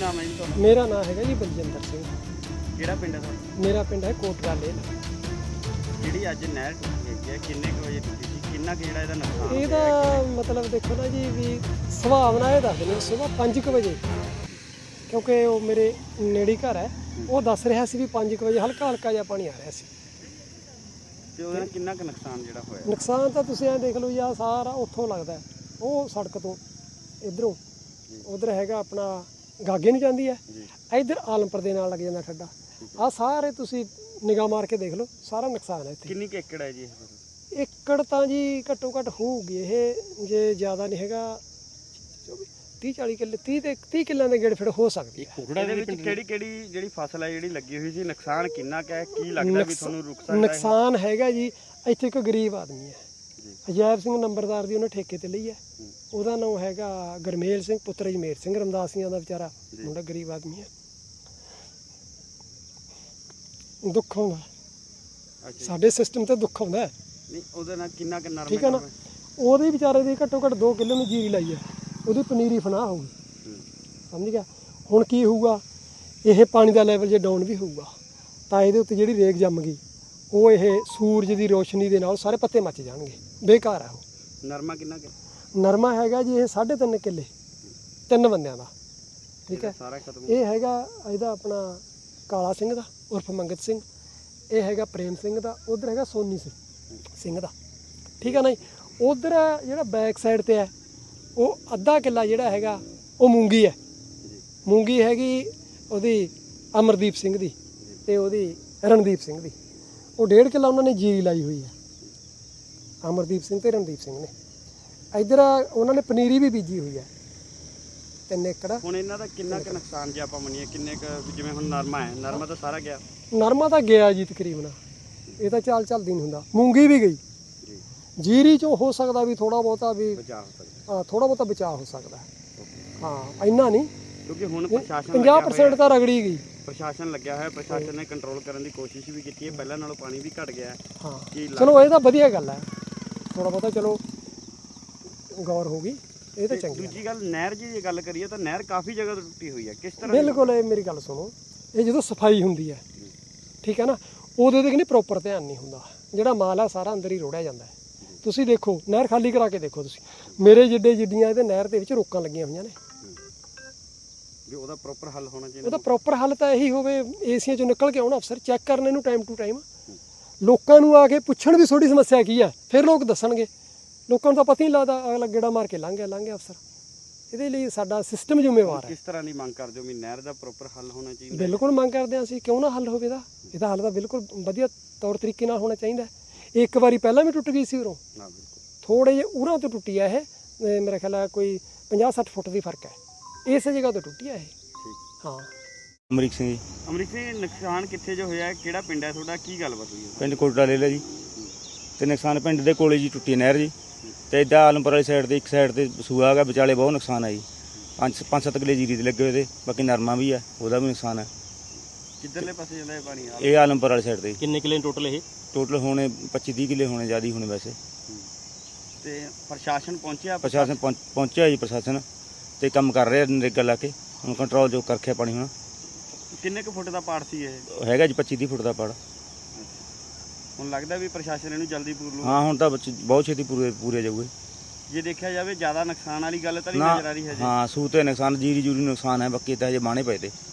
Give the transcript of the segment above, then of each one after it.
ਨਾਮ ਹੈ ਜੀ ਤੁਹਾਡਾ? ਮੇਰਾ ਨਾਮ ਹੈਗਾ ਜੀ ਬਲਜਿੰਦਰ ਸਿੰਘ। ਕਿਹੜਾ ਪਿੰਡ ਹੈ ਤੁਹਾਡਾ? ਮੇਰਾ ਪਿੰਡ ਹੈ ਕੋਟੜਾ ਲੇਲ। ਜਿਹੜੀ ਅੱਜ ਨਹਿਰ ਟੁੱਟੀ ਹੈਗੀ ਹੈ ਕਿੰਨੇ ਕੁ ਵਜੇ ਟੁੱਟੀ ਸੀ, ਕਿੰਨਾ ਕੁ ਜਿਹੜਾ ਇਹਦਾ ਨੁਕਸਾਨ ਇਹਦਾ ਮਤਲਬ ਦੇਖੋ ਨਾ ਜੀ ਵੀ ਸੁਭਾਵਨਾ ਇਹ ਦੱਸਦੇ ਨੇ ਸੁਬਾਹ 5 ਵਜੇ, ਕਿਉਂਕਿ ਉਹ ਮੇਰੇ ਨੇੜੇ ਘਰ ਹੈ, ਉਹ ਦੱਸ ਰਿਹਾ ਸੀ ਵੀ 5 ਵਜੇ ਹਲਕਾ ਹਲਕਾ ਜਿਹਾ ਪਾਣੀ ਆ ਰਿਹਾ ਸੀ। ਤੇ ਉਹਦੇ ਨਾਲ ਕਿੰਨਾ ਕੁ ਨੁਕਸਾਨ ਜਿਹੜਾ ਹੋਇਆ? ਨੁਕਸਾਨ ਤਾਂ ਤੁਸੀਂ ਐਂ ਦੇਖ ਲਓ ਜੀ, ਆਹ ਸਾਰਾ ਉੱਥੋਂ ਲੱਗਦਾ ਉਹ ਸੜਕ ਤੋਂ ਇਧਰੋਂ ਉਧਰ ਹੈਗਾ ਆਪਣਾ ਗਾਗੇ ਨੂੰ ਜਾਂਦੀ ਹੈ, ਇੱਧਰ ਆਲਮਪੁਰ ਦੇ ਨਾਲ ਲੱਗ ਜਾਂਦਾ ਠੱਡਾ। ਆਹ ਸਾਰੇ ਤੁਸੀਂ ਨਿਗਾਹ ਮਾਰ ਕੇ ਦੇਖ ਲਓ, ਸਾਰਾ ਨੁਕਸਾਨ ਹੈ ਇੱਥੇ। ਕਿੰਨੀ ਕੁ ਏਕੜ ਹੈ ਜੀ ਇਹ? ਏਕੜ ਤਾਂ ਜੀ ਘੱਟੋ ਘੱਟ ਹੋਊਗੀ ਇਹ, ਜੇ ਜ਼ਿਆਦਾ ਨਹੀਂ ਹੈਗਾ 30-40 ਕਿੱਲੇ, 30 ਕਿੱਲਿਆਂ ਦੇ ਗੇੜ ਫਿਰ ਹੋ ਸਕਦੀ ਹੈ। ਇਹਦੇ ਵਿੱਚ ਕਿਹੜੀ ਕਿਹੜੀ ਜਿਹੜੀ ਫਸਲ ਹੈ ਜਿਹੜੀ ਲੱਗੀ ਹੋਈ ਸੀ, ਨੁਕਸਾਨ ਕਿੰਨਾ ਕੁ ਹੈ, ਕੀ ਲੱਗਦਾ ਵੀ ਤੁਹਾਨੂੰ ਰੁਕ ਸਕਦਾ? ਨੁਕਸਾਨ ਹੈਗਾ ਜੀ, ਇੱਥੇ ਇੱਕ ਗਰੀਬ ਆਦਮੀ ਹੈ, ਅਜੈਬ ਸਿੰਘ ਨੰਬਰਦਾਰ ਦੀ ਉਹਨੇ ਠੇਕੇ ਤੇ ਲਈ ਹੈ। ਉਹਦਾ ਨਾਮ ਹੈਗਾ ਗਰਮੇਲ ਸਿੰਘ ਪੁੱਤਰ ਅਜਮੇਰ ਸਿੰਘ ਰਮਦਾਸੀਆਂ ਦਾ ਵਿਚਾਰਾ ਮੁੰਡਾ, ਗਰੀਬ ਆਦਮੀ ਹੈ। ਦੁੱਖ ਆਉਂਦਾ ਸਾਡੇ ਸਿਸਟਮ ਤੇ, ਦੁੱਖ ਆਉਂਦਾ। ਨਹੀਂ ਉਹਦੇ ਨਾਲ ਕਿੰਨਾ ਕੁ ਨਰਮ ਠੀਕ ਹੈ ਨਾ, ਉਹਦੇ ਵਿਚਾਰੇ ਦੀ ਘੱਟੋ ਘੱਟ 2 ਕਿੱਲੇ ਨੂੰ ਜੀਰੀ ਲਾਈ ਹੈ, ਉਹਦੀ ਪਨੀਰੀ ਫਨਾਹ ਹੋਊਗੀ, ਸਮਝ ਗਿਆ। ਹੁਣ ਕੀ ਹੋਊਗਾ, ਇਹ ਪਾਣੀ ਦਾ ਲੈਵਲ ਜੇ ਡਾਊਨ ਵੀ ਹੋਊਗਾ ਤਾਂ ਇਹਦੇ ਉੱਤੇ ਜਿਹੜੀ ਰੇਗ ਜੰਮ ਗਈ, ਉਹ ਇਹ ਸੂਰਜ ਦੀ ਰੋਸ਼ਨੀ ਦੇ ਨਾਲ ਸਾਰੇ ਪੱਤੇ ਮੱਚ ਜਾਣਗੇ, ਬੇਕਾਰ ਹੈ ਉਹ। ਨਰਮਾ ਕਿੰਨਾ ਕੁ? ਨਰਮਾ ਹੈਗਾ ਜੀ ਇਹ 3.5 ਕਿੱਲੇ, 3 ਬੰਦਿਆਂ ਦਾ, ਠੀਕ ਹੈ। ਸਾਰਾ ਖਤਮ। ਇਹ ਹੈਗਾ ਇਹਦਾ ਆਪਣਾ ਕਾਲਾ ਸਿੰਘ ਦਾ ਉਰਫ ਮੰਗਤ ਸਿੰਘ, ਇਹ ਹੈਗਾ ਪ੍ਰੇਮ ਸਿੰਘ ਦਾ, ਉਧਰ ਹੈਗਾ ਸੋਨੀ ਸਿੰਘ ਦਾ, ਠੀਕ ਹੈ ਨਾ ਜੀ। ਉਧਰ ਜਿਹੜਾ ਬੈਕ ਸਾਈਡ ਤੇ ਹੈ ਉਹ ਅੱਧਾ ਕਿੱਲਾ ਜਿਹੜਾ ਹੈਗਾ ਉਹ ਮੂੰਗੀ ਹੈ, ਮੂੰਗੀ ਹੈਗੀ ਉਹਦੀ ਅਮਰਦੀਪ ਸਿੰਘ ਦੀ ਤੇ ਉਹਦੀ ਰਣਦੀਪ ਸਿੰਘ ਦੀ। ਉਹ 1.5 ਕਿੱਲਾ ਉਹਨਾਂ ਨੇ ਜੀਰੀ ਲਾਈ ਹੋਈ ਹੈ, ਅਮਰਦੀਪ ਸਿੰਘ ਤੇ ਰਣਦੀਪ ਸਿੰਘ ਨੇ। ਇੱਧਰ ਉਹਨਾਂ ਨੇ ਪਨੀਰੀ ਵੀ ਬੀਜੀ ਹੋਈ ਹੈ 3 ਏਕੜ। ਹੁਣ ਇਹਨਾਂ ਦਾ ਕਿੰਨਾ ਕੁ ਨੁਕਸਾਨ ਜੇ ਆਪਾਂ ਮੰਨੀਏ, ਕਿੰਨੇ ਕੁ, ਜਿਵੇਂ ਹੁਣ ਨਰਮਾ ਹੈ, ਨਰਮਾ ਤਾਂ ਸਾਰਾ ਗਿਆ? ਨਰਮਾ ਤਾਂ ਗਿਆ ਜੀ ਤਕਰੀਬਨ, ਇਹ ਤਾਂ ਚੱਲਦੀ ਨਹੀਂ ਹੁੰਦਾ। ਮੂੰਗੀ ਵੀ ਗਈ, ਜੀਰੀ ਚੋਂ ਹੋ ਸਕਦਾ ਵੀ ਥੋੜਾ ਬਹੁਤਾ ਵੀ ਬਚਾਅ ਹੋ ਸਕਦਾ, ਹਾਂ ਥੋੜਾ ਬਹੁਤਾ ਬਚਾਅ ਹੋ ਸਕਦਾ, ਹਾਂ ਇੰਨਾ ਨਹੀਂ, ਕਿਉਂਕਿ ਹੁਣ ਪ੍ਰਸ਼ਾਸਨ 50% ਤਾਂ ਰਗੜੀ ਗਈ। ਪ੍ਰਸ਼ਾਸਨ ਲੱਗਿਆ ਹੋਇਆ, ਪ੍ਰਸ਼ਾਸਨ ਨੇ ਕੰਟਰੋਲ ਕਰਨ ਦੀ ਕੋਸ਼ਿਸ਼ ਵੀ ਕੀਤੀ ਹੈ, ਪਹਿਲਾਂ ਨਾਲੋਂ ਪਾਣੀ ਵੀ ਘਟ ਗਿਆ। ਹਾਂ ਚਲੋ ਇਹ ਤਾਂ ਵਧੀਆ ਗੱਲ ਹੈ, ਥੋੜਾ ਬਹੁਤਾ ਚਲੋ ਗੌਰ ਹੋ ਗਈ, ਇਹ ਤਾਂ ਚੰਗੀ। ਦੂਜੀ ਗੱਲ, ਨਹਿਰ ਦੀ ਗੱਲ ਕਰੀਏ ਤਾਂ ਨਹਿਰ ਕਾਫੀ ਜਗ੍ਹਾ ਤੋਂ ਟੁੱਟੀ ਹੋਈ ਹੈ, ਕਿਸ ਤਰ੍ਹਾਂ? ਬਿਲਕੁਲ, ਇਹ ਮੇਰੀ ਗੱਲ ਸੁਣੋ, ਇਹ ਜਦੋਂ ਸਫਾਈ ਹੁੰਦੀ ਹੈ, ਠੀਕ ਹੈ ਨਾ, ਉਹਦੇ ਤੇ ਨਹੀਂ ਪ੍ਰੋਪਰ ਧਿਆਨ ਨਹੀਂ ਹੁੰਦਾ, ਜਿਹੜਾ ਮਾਲ ਆ ਸਾਰਾ ਅੰਦਰ ਹੀ ਰੋੜਿਆ ਜਾਂਦਾ ਹੈ। ਤੁਸੀਂ ਦੇਖੋ ਨਹਿਰ ਖਾਲੀ ਕਰਾ ਕੇ ਦੇਖੋ ਤੁਸੀਂ, ਮੇਰੇ ਜਿੱਡੀਆਂ ਇਹਦੇ ਨਹਿਰ ਦੇ ਵਿੱਚ ਰੋਕਾਂ ਲੱਗੀਆਂ ਹੋਈਆਂ ਨੇ। ਵੀ ਉਹਦਾ ਪ੍ਰੋਪਰ ਹੱਲ ਹੋਣਾ ਚਾਹੀਦਾ। ਉਹਦਾ ਪ੍ਰੋਪਰ ਹੱਲ ਤਾਂ ਇਹੀ ਹੋਵੇ, ਏਸੀਆਂ ਚੋਂ ਨਿਕਲ ਕੇ ਆਉਣ ਅਫਸਰ, ਚੈੱਕ ਕਰਨ ਇਹਨੂੰ ਟਾਈਮ ਟੂ ਟਾਈਮ, ਲੋਕਾਂ ਨੂੰ ਆ ਕੇ ਪੁੱਛਣ ਵੀ ਤੁਹਾਡੀ ਸਮੱਸਿਆ ਕੀ ਹੈ, ਫਿਰ ਲੋਕ ਦੱਸਣਗੇ। ਲੋਕਾਂ ਨੂੰ ਤਾਂ ਪਤਾ ਹੀ ਨਹੀਂ ਲੱਗਦਾ, ਅਗਲਾ ਗੇੜਾ ਮਾਰ ਕੇ ਲੰਘ ਗਿਆ ਅਫਸਰ। ਇਹਦੇ ਲਈ ਸਾਡਾ ਸਿਸਟਮ ਜ਼ਿੰਮੇਵਾਰ ਹੈ। ਕਿਸ ਤਰ੍ਹਾਂ ਦੀ ਮੰਗ ਕਰਦੇ ਹੋ ਵੀ ਨਹਿਰ ਦਾ ਪ੍ਰੋਪਰ ਹੱਲ ਹੋਣਾ ਚਾਹੀਦਾ? ਬਿਲਕੁਲ ਮੰਗ ਕਰਦੇ ਹਾਂ ਅਸੀਂ, ਕਿਉਂ ਨਾ ਹੱਲ ਹੋਵੇ ਇਹਦਾ ਹੱਲ ਤਾਂ ਬਿਲਕੁਲ ਵਧੀਆ ਤੌਰ ਤਰੀਕੇ ਨਾਲ ਹੋਣਾ ਚਾਹੀਦਾ। ਇੱਕ ਵਾਰੀ ਪਹਿਲਾਂ ਵੀ ਟੁੱਟ ਗਈ ਸੀ ਉਰੋਂ, ਥੋੜੇ ਜਿਹੇ ਉਰਾਂ ਤੋਂ ਟੁੱਟੀ ਆ ਇਹ, ਮੇਰਾ ਖਿਆਲ ਹੈ ਕੋਈ 50-60 ਫੁੱਟ ਦੀ ਫਰਕ ਹੈ, ਇਸੇ ਜਗ੍ਹਾ ਤੋਂ ਟੁੱਟੀ ਆ ਇਹ। ਹਾਂ। ਅਮਰੀਕ ਸਿੰਘ ਜੀ। ਅਮਰੀਕ ਸਿੰਘ, ਨੁਕਸਾਨ ਕਿੱਥੇ ਜੋ ਹੋਇਆ, ਕਿਹੜਾ ਪਿੰਡ ਹੈ ਤੁਹਾਡਾ, ਕੀ ਗੱਲਬਾਤ ਹੋਈ? ਪਿੰਡ ਕੋਟੜਾ ਲੈ ਲਿਆ ਜੀ, ਤੇ ਨੁਕਸਾਨ ਪਿੰਡ ਦੇ ਕੋਲੇ ਜੀ ਟੁੱਟੀ ਨਹਿਰ ਜੀ, ਤੇ ਇੱਦਾਂ ਆਲਮਪੁਰ ਵਾਲੀ ਸਾਈਡ ਤੇ ਇੱਕ ਸਾਈਡ ਤੇ ਸੂਆ ਹੈਗਾ, ਵਿਚਾਲੇ ਬਹੁਤ ਨੁਕਸਾਨ ਹੈ ਜੀ। 5-7 ਕਿੱਲੇ ਜੀਰੀ ਦੇ ਲੱਗੇ ਹੋਏ ਤੇ, ਬਾਕੀ ਨਰਮਾ ਵੀ ਹੈ, ਉਹਦਾ ਵੀ ਨੁਕਸਾਨ ਹੈ। ਕਿੱਧਰਲੇ ਪਾਸੇ ਜਾਂਦਾ ਇਹ ਪਾਣੀ? ਇਹ ਆਲਮਪੁਰ ਵਾਲੀ ਸਾਈਡ ਤੇ। ਕਿੰਨੇ ਕਿੱਲੇ ਟੋਟਲ ਇਹ? ਟੋਟਲ ਹੋਣੇ 25-30 ਕਿੱਲੇ ਹੋਣੇ, ਜ਼ਿਆਦਾ ਹੀ ਹੋਣੇ ਵੈਸੇ। ਤੇ ਪ੍ਰਸ਼ਾਸਨ ਪਹੁੰਚਿਆ? ਪ੍ਰਸ਼ਾਸਨ ਪਹੁੰਚਿਆ ਜੀ, ਪ੍ਰਸ਼ਾਸਨ ਤੇ ਕੰਮ ਕਰ ਰਿਹਾ ਨਰੇਗਾ ਲਾ ਕੇ, ਹੁਣ ਕੰਟਰੋਲ ਜੋ ਕਰ ਰੱਖਿਆ ਪਾਣੀ। ਹੁਣ ਕਿੰਨੇ ਕੁ ਫੁੱਟ ਦਾ ਪਾੜ ਸੀ ਇਹ? ਹੈਗਾ ਜੀ 25-30 ਫੁੱਟ ਦਾ ਪਾੜ। ਹੁਣ ਲੱਗਦਾ ਵੀ ਪ੍ਰਸ਼ਾਸਨ ਇਹਨੂੰ ਜਲਦੀ ਪੂਰ ਲੂ? ਹਾਂ ਹੁਣ ਤਾਂ ਬਹੁਤ ਛੇਤੀ ਪੂਰੇ ਜਾਊਗੇ। ਜੇ ਦੇਖਿਆ ਜਾਵੇ ਜ਼ਿਆਦਾ ਨੁਕਸਾਨ ਵਾਲੀ ਗੱਲ ਤਾਂ ਨਹੀਂ ਨਜ਼ਰ ਆ ਰਹੀ ਹੈ ਜੀ? ਹਾਂ ਸੂ ਤੇ ਨੁਕਸਾਨ, ਜੀਰੀ ਜੂਰੀ ਨੁਕਸਾਨ ਹੈ, ਬਾਕੀ ਤਾਂ ਹਜੇ ਬਾਣੇ ਪਏ ਤੇ।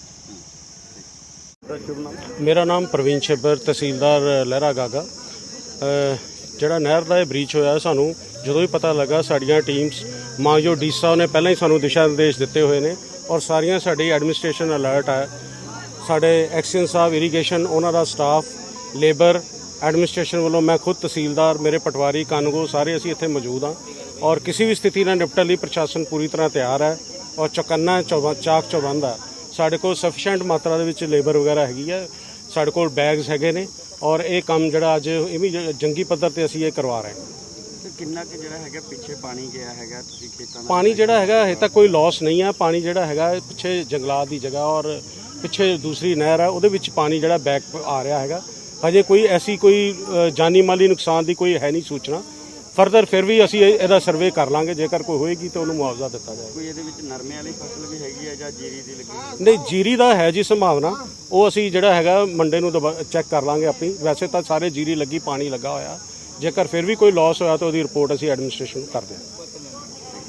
ਮੇਰਾ ਨਾਮ ਪ੍ਰਵੀਨ ਛੇਬਰ, ਤਹਿਸੀਲਦਾਰ ਲਹਿਰਾ ਗਾਗਾ। ਜਿਹੜਾ ਨਹਿਰ ਦਾ ਇਹ ਬ੍ਰੀਚ ਹੋਇਆ, ਸਾਨੂੰ ਜਦੋਂ ਵੀ ਪਤਾ ਲੱਗਾ, ਸਾਡੀਆਂ ਟੀਮਸ ਮਾਨਯੋਗ ਡੀ ਸਾਹਿਬ ਨੇ ਪਹਿਲਾਂ ਹੀ ਸਾਨੂੰ ਦਿਸ਼ਾ ਨਿਰਦੇਸ਼ ਦਿੱਤੇ ਹੋਏ ਨੇ, ਔਰ ਸਾਰੀਆਂ ਸਾਡੀ ਐਡਮਿਨਿਸਟ੍ਰੇਸ਼ਨ ਅਲਰਟ ਹੈ। ਸਾਡੇ ਐਕਸੀਅਨ ਸਾਹਿਬ, ਇਰੀਗੇਸ਼ਨ, ਉਹਨਾਂ ਦਾ ਸਟਾਫ, ਲੇਬਰ, ਐਡਮਿਨਿਸਟ੍ਰੇਸ਼ਨ ਵੱਲੋਂ, ਮੈਂ ਖੁਦ ਤਹਿਸੀਲਦਾਰ, ਮੇਰੇ ਪਟਵਾਰੀ, ਕਾਨੂੰਗੋ, ਸਾਰੇ ਅਸੀਂ ਇੱਥੇ ਮੌਜੂਦ ਹਾਂ। ਔਰ ਕਿਸੇ ਵੀ ਸਥਿਤੀ ਨਾਲ ਨਿਪਟਣ ਲਈ ਪ੍ਰਸ਼ਾਸਨ ਪੂਰੀ ਤਰ੍ਹਾਂ ਤਿਆਰ ਹੈ, ਔਰ ਚੌਕੰਨਾ ਚਾਕ ਚੌਬੰਦ ਹੈ। ਸਾਡੇ ਕੋਲ ਸਫੀਸ਼ੀਐਂਟ ਮਾਤਰਾ ਦੇ ਵਿੱਚ ਲੇਬਰ ਵਗੈਰਾ ਹੈਗੀ ਹੈ, ਸਾਡੇ ਕੋਲ ਬੈਗਸ ਹੈਗੇ ਨੇ, ਔਰ ਇਹ ਕੰਮ ਜਿਹੜਾ ਅੱਜ ਇਹ ਵੀ ਜੰਗੀ ਪੱਧਰ ਤੇ ਅਸੀਂ ਇਹ ਕਰਵਾ ਰਹੇ ਹਾਂ। ਕਿੰਨਾ ਕਿ ਜਿਹੜਾ ਹੈਗਾ ਪਿੱਛੇ ਪਾਣੀ ਗਿਆ ਹੈਗਾ, ਤੁਸੀਂ ਖੇਤਾਂ ਦਾ ਪਾਣੀ ਜਿਹੜਾ ਹੈਗਾ ਇਹ ਤਾਂ ਕੋਈ ਲਾਸ ਨਹੀਂ ਹੈ। ਪਾਣੀ ਜਿਹੜਾ ਹੈਗਾ ਪਿੱਛੇ ਜੰਗਲਾਤ ਦੀ ਜਗ੍ਹਾ ਔਰ ਪਿੱਛੇ ਦੂਸਰੀ ਨਹਿਰ ਹੈ, ਉਹਦੇ ਵਿੱਚ ਪਾਣੀ ਜਿਹੜਾ ਬੈਕ ਆ ਰਿਹਾ ਹੈਗਾ। ਹਜੇ ਕੋਈ ਐਸੀ ਕੋਈ ਜਾਨੀ ਮਾਲੀ ਨੁਕਸਾਨ ਦੀ ਕੋਈ ਹੈ ਨਹੀਂ ਸੂਚਨਾ। ਫਰਦਰ ਫਿਰ ਵੀ ਅਸੀਂ ਇਹਦਾ ਸਰਵੇ ਕਰ ਲਾਂਗੇ, ਜੇਕਰ ਕੋਈ ਹੋਏਗੀ ਤਾਂ ਉਹਨੂੰ ਮੁਆਵਜ਼ਾ ਦਿੱਤਾ ਜਾਏਗਾ। ਕੋਈ ਇਹਦੇ ਵਿੱਚ ਨਰਮੇ ਵਾਲੀ ਫਸਲ ਵੀ ਹੈਗੀ ਹੈ ਜਾਂ ਜੀਰੀ ਦੀ ਲੱਗੀ? ਨਹੀਂ, ਜੀਰੀ ਦਾ ਹੈ ਜੀ ਸੰਭਾਵਨਾ, ਉਹ ਅਸੀਂ ਜਿਹੜਾ ਹੈਗਾ ਮੰਡੇ ਨੂੰ ਚੈੱਕ ਕਰ ਲਾਂਗੇ ਆਪਣੀ। ਵੈਸੇ ਤਾਂ ਸਾਰੇ ਜੀਰੀ ਲੱਗੀ, ਪਾਣੀ ਲੱਗਾ ਹੋਇਆ। ਜੇਕਰ ਫਿਰ ਵੀ ਕੋਈ ਲਾਸ ਹੋਇਆ ਤਾਂ ਉਹਦੀ ਰਿਪੋਰਟ ਅਸੀਂ ਐਡਮਿਨਿਸਟ੍ਰੇਸ਼ਨ ਨੂੰ ਕਰਦੇ ਹਾਂ।